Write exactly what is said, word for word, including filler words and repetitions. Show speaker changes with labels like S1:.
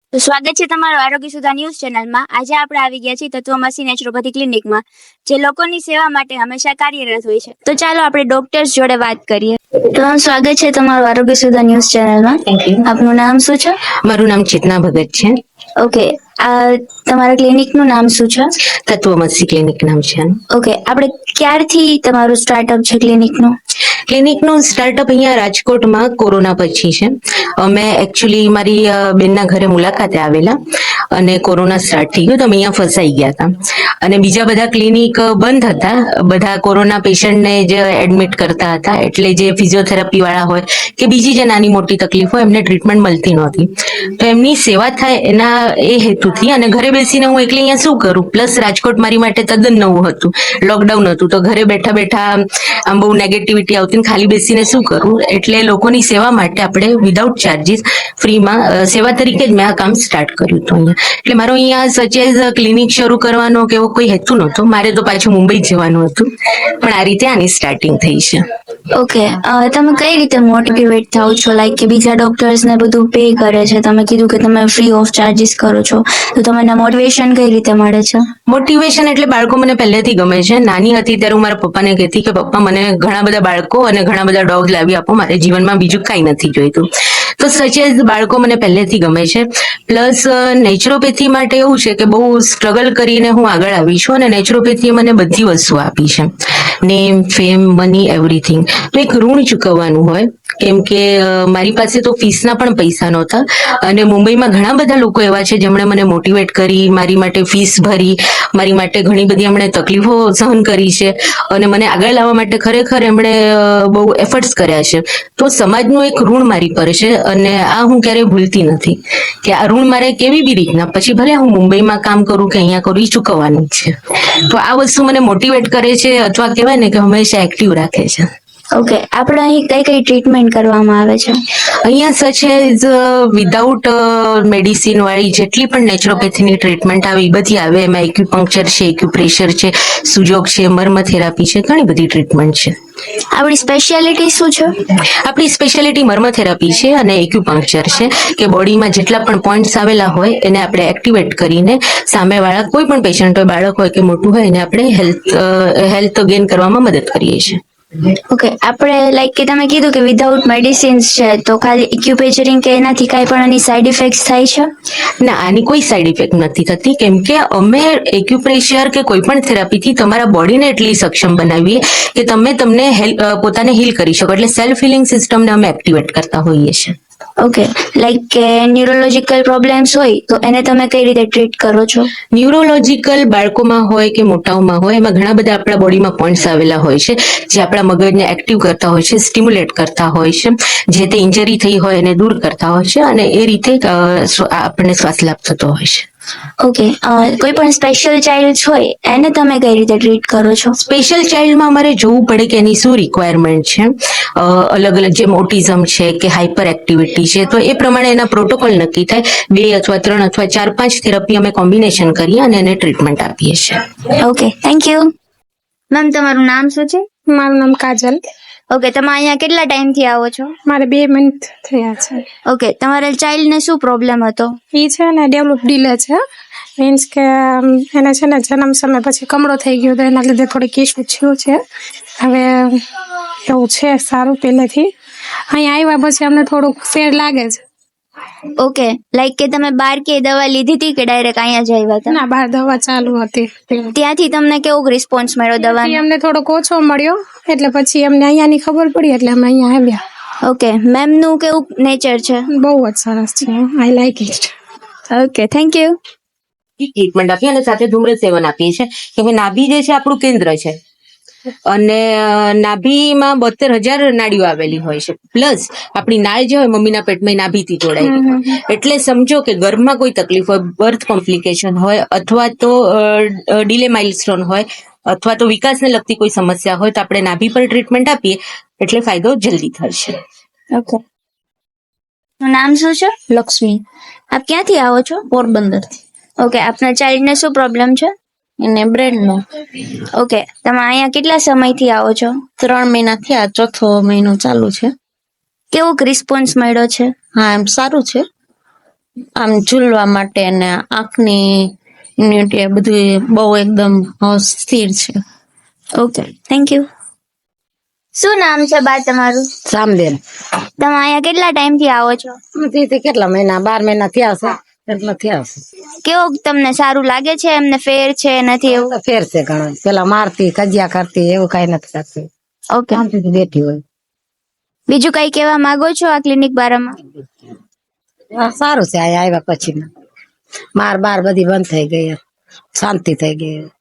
S1: તો સ્વાગત છે તમારું આરોગ્ય સુધા ન્યૂઝ ચેનલમાં. આજે આપણે આવી ગયા છીએ તત્વમસી નેચરોપેથી ક્લિનિકમાં, જે લોકોની સેવા માટે હંમેશા કાર્યરત હોય છે. તો ચાલો આપણે ડોક્ટર્સ જોડે વાત કરીએ. તો સ્વાગત છે તમારું આરોગ્ય સુધા ન્યૂઝ ચેનલમાં.
S2: Thank you.
S1: આપનું નામ શું છે?
S2: મારું નામ ચેતના ભગત છે.
S1: ઓકે, આ તમારા ક્લિનિકનું નામ શું છે?
S2: તત્વમસી ક્લિનિક નામ છે.
S1: ઓકે, આપણે ક્યારથી તમારું સ્ટાર્ટઅપ છે ક્લિનિકનું?
S2: ક્લિનિકનું સ્ટાર્ટઅપ અહીંયા રાજકોટમાં કોરોના પછી છે. અમે એકચ્યુઅલી મારી અ, બેનના ઘરે મુલાકાતે આવેલા અને કોરોના સ્ટાર્ટ થઈ ગયો તો અમે અહીંયા ફસાઈ ગયા હતા અને બીજા બધા ક્લિનિક બંધ હતા. બધા કોરોના પેશન્ટને જ એડમિટ કરતા હતા, એટલે જે ફિઝિયોથેરાપી વાળા હોય કે બીજી જે નાની મોટી તકલીફ હોય એમને ટ્રીટમેન્ટ મળતી નહોતી. તો એમની સેવા થાય એના એ હેતુથી અને ઘરે બેસીને હું એકલી અહીંયા શું કરું, પ્લસ રાજકોટ મારી માટે તદ્દન નવું હતું, લોકડાઉન હતું, તો ઘરે બેઠા બેઠા આમ બહુ નેગેટિવિટી આવતી, ખાલી બેસીને શું કરું, એટલે લોકોની સેવા માટે આપણે વિધાઉટ ચાર્જીસ ફ્રીમાં સેવા તરીકે જ મેં આ કામ સ્ટાર્ટ કર્યું હતું અહીંયા. એટલે મારો અહીંયા સચેઝ ક્લિનિક શરૂ કરવાનો કે એવો કોઈ હેતુ નહોતો, મારે તો પાછું મુંબઈ જવાનું હતું, પણ આ રીતે આની સ્ટાર્ટિંગ થઈ છે.
S1: ઓકે, તમે કઈ રીતે મોટિવેટ થાવ છો, લાઈક કે બીજા ડોક્ટર્સ ને બધું પે કરે છે, તમે કીધું કે તમે ફ્રી ઓફ ચાર્જીસ કરો છો, તો તમને મોટિવેશન કઈ રીતે મળે છે?
S2: મોટિવેશન એટલે બાળકો મને પહેલેથી ગમે છે. નાની હતી ત્યારે હું મારા પપ્પાને કહેતી કે પપ્પા મને ઘણા બધા બાળકો અને ઘણા બધા ડોગ લાવી આપો, મારે જીવનમાં બીજું કાંઈ નથી જોઈતું. તો સચેજ બાળકો મને પહેલેથી ગમે છે. પ્લસ નેચરોપેથી માટે એવું છે કે બહુ સ્ટ્રગલ કરીને હું આગળ આવી છું અને નેચરોપેથીએ મને બધી વસ્તુ આપી છે, નેમ, ફેમ, મની, એવરીથિંગ. તો એક ઋણ ચૂકવવાનું હોય, કેમ કે મારી પાસે તો ફીસના પણ પૈસા નહોતા અને મુંબઈમાં ઘણા બધા લોકો એવા છે જેમણે મને મોટિવેટ કરી, મારી માટે ફીસ ભરી, મારી માટે ઘણી બધી એમણે તકલીફો સહન કરી છે અને મને આગળ લાવવા માટે ખરેખર એમણે બહુ એફર્ટ્સ કર્યા છે. તો સમાજનું એક ઋણ મારી પર છે અને આ હું ક્યારેય ભૂલતી નથી કે આ ઋણ મારે કેવી બી રીતના, પછી ભલે હું મુંબઈમાં કામ કરું કે અહીંયા કરું, એ ચૂકવવાનું જ છે. તો આ વસ્તુ મને મોટિવેટ કરે છે, અથવા કહેવાય ને કે હંમેશા એક્ટિવ રાખે છે.
S1: ઓકે, આપણે અહીં કઈ કઈ ટ્રીટમેન્ટ કરવામાં આવે છે?
S2: અહીંયા સચ એઝ વિધાઉટ મેડિસિન વાળી જેટલી પણ નેચરોપેથીની ટ્રીટમેન્ટ આવે એ બધી આવે. એમાં એક્યુપંક્ચર છે, એક્યુપ્રેશર છે, સુજોગ છે, મર્મ થેરાપી છે, ઘણી બધી ટ્રીટમેન્ટ છે.
S1: આપણી સ્પેશિયાલિટી શું છે?
S2: આપણી સ્પેશિયાલિટી મર્મ થેરાપી છે અને એક્યુપંક્ચર છે, કે બોડીમાં જેટલા પણ પોઈન્ટ્સ આવેલા હોય એને આપણે એક્ટિવેટ કરીને સામેવાળા કોઈ પણ પેશન્ટ હોય, બાળક હોય કે મોટું હોય, એને આપણે હેલ્થ હેલ્થ ગેઇન કરવામાં મદદ કરીએ છીએ.
S1: ઓકે, આપણે લાઈક કે તમે કીધું કે વિધાઉટ મેડિસિન્સ છે, તો ખાલી ઇક્યુપેચરિંગ કે એનાથી કાંઈ પણ આની સાઈડ ઇફેક્ટ્સ થાય છે?
S2: ના, આની કોઈ સાઈડ ઇફેક્ટ નથી થતી, કેમ કે અમે એક્યુપ્રેશર કે કોઈ પણ થેરાપીથી તમારા બોડીને એટલી સક્ષમ બનાવીએ કે તમે તમને પોતાને હીલ કરી શકો, એટલે સેલ્ફ હિલિંગ સિસ્ટમને અમે એક્ટિવેટ કરતા હોઈએ છીએ.
S1: ઓકે, લાઈક કે ન્યુરોલોજીકલ પ્રોબ્લેમ્સ હોય તો એને તમે કઈ રીતે ટ્રીટ કરો છો?
S2: ન્યુરોલોજીકલ બાળકોમાં હોય કે મોટાઓમાં હોય, એમાં ઘણા બધા આપણા બોડીમાં પોઈન્ટ્સ આવેલા હોય છે જે આપણા મગજને એક્ટિવ કરતા હોય છે, સ્ટિમ્યુલેટ કરતા હોય છે, જે તે ઇન્જરી થઈ હોય એને દૂર કરતા હોય છે અને એ રીતે આપણને શ્વાસ લાભ થતો હોય છે.
S1: ઓકે, કોઈ પણ સ્પેશિયલ ચાઇલ્ડ હોય એને તમે કઈ રીતે ટ્રીટ કરો છો?
S2: સ્પેશિયલ ચાઇલ્ડમાં અમારે જોવું પડે કે એની શું રિક્વાયરમેન્ટ છે. અલગ અલગ જેમ ઓટિઝમ છે કે હાઇપર એક્ટિવિટી છે, તો એ પ્રમાણે એના પ્રોટોકોલ નક્કી થાય. બે અથવા ત્રણ અથવા ચાર પાંચ થેરાપી અમે કોમ્બિનેશન કરીએ અને એને ટ્રીટમેન્ટ આપીએ છીએ.
S1: Okay, thank you. મેમ, તમારું નામ શું છે?
S3: મારું નામ કાજલ.
S1: ઓકે, તમે અહીંયા કેટલા ટાઈમથી આવો છો?
S3: મારે બે મિનિટ થયા છે.
S1: ઓકે, તમારા ચાઇલ્ડને શું પ્રોબ્લેમ હતો?
S3: એ છે ને ડેવલપ ડીલે છે, મીન્સ કે એને છે ને જન્મ સમય પછી કમળો થઈ ગયો તો એના લીધે થોડીક ઇસ્યુ થયું છે. હવે એવું છે સારું પહેલેથી. અહીંયા આવ્યા પછી અમને થોડુંક ફેર લાગે છે.
S1: ઓકે, લાઈક કે તમે બાર કે દવા લીધી હતી કે ડાયરેક્ટ અહીંયા જ આવ્યા હતા?
S3: ના, બહાર દવા ચાલુ હતી.
S1: ત્યાંથી તમને કેવો રિસ્પોન્સ મળ્યો દવાનો?
S3: અમને થોડોક ઓછો મળ્યો, એટલે પછી અમને અહીંયાની ખબર પડી એટલે અમે અહીંયા આવ્યા.
S1: ઓકે, મેમ નું કેવું નેચર છે?
S3: બહુ જ સરસ છે, I like it.
S1: Okay, thank you.
S2: Treatment આપીએ અને સાથે ધૂમ્ર સેવન આપીએ છીએ, કે નાભી જે છે આપણું કેન્દ્ર છે અને નાભીમાં બોતેર હજાર નાડીઓ આવેલી હોય છે. પ્લસ આપણી નાળ જે હોય મમ્મીના પેટમાં નાભીથી જોડાયેલી હોય, એટલે સમજો કે ગર્ભમાં કોઈ તકલીફ હોય, બર્થ કોમ્પ્લિકેશન હોય અથવા તો ડીલે માઇલસ્ટોન હોય અથવા તો વિકાસને લગતી કોઈ સમસ્યા હોય, તો આપણે નાભી પર ટ્રીટમેન્ટ આપીએ એટલે ફાયદો જલ્દી થશે.
S1: ઓકે, નામ શું છે?
S4: લક્ષ્મી.
S1: આપ ક્યાંથી આવો છો?
S4: પોરબંદર.
S1: ઓકે, આપના ચાઇલ્ડને શું પ્રોબ્લેમ છે?
S4: એને બ્રેનનો.
S1: ઓકે, તમે અહીંયા કેટલા સમયથી આવો છો?
S4: ત્રણ મહિના થયા, ચોથો મહિનો ચાલુ છે.
S1: કેવો રિસ્પોન્સ મળ્યો છે?
S4: હા, એમ સારું છે. આમ ઝૂલવા માટે અને આંખની immunity એ બધું બહુ એકદમ અ, સ્થિર છે.
S1: Okay, thank you. શું નામ છે બા તમારું?
S5: સામબેન
S1: તમે અહીંયા કેટલા ટાઈમ થી આવો છો?
S5: થી કેટલા મહિના બાર મહિના થયા હશે એટલે થયા હશે
S1: કેવું તમને સારું લાગે છે? એમને ફેર છે નથી એવું?
S5: તો ફેર છે ઘણો પેલા મારતી કજિયા કરતી એવું કઈ નથી કરતી
S1: ઓકે,
S5: શાંતિથી બેઠી હોય
S1: બીજું કઈ કહેવા માંગો છો આ ક્લિનિક બારામાં?
S5: હા, સારું છે અહીંયા આવ્યા પછી માર બાર બધી બંધ થઈ ગઈ શાંતિ થઈ ગઈ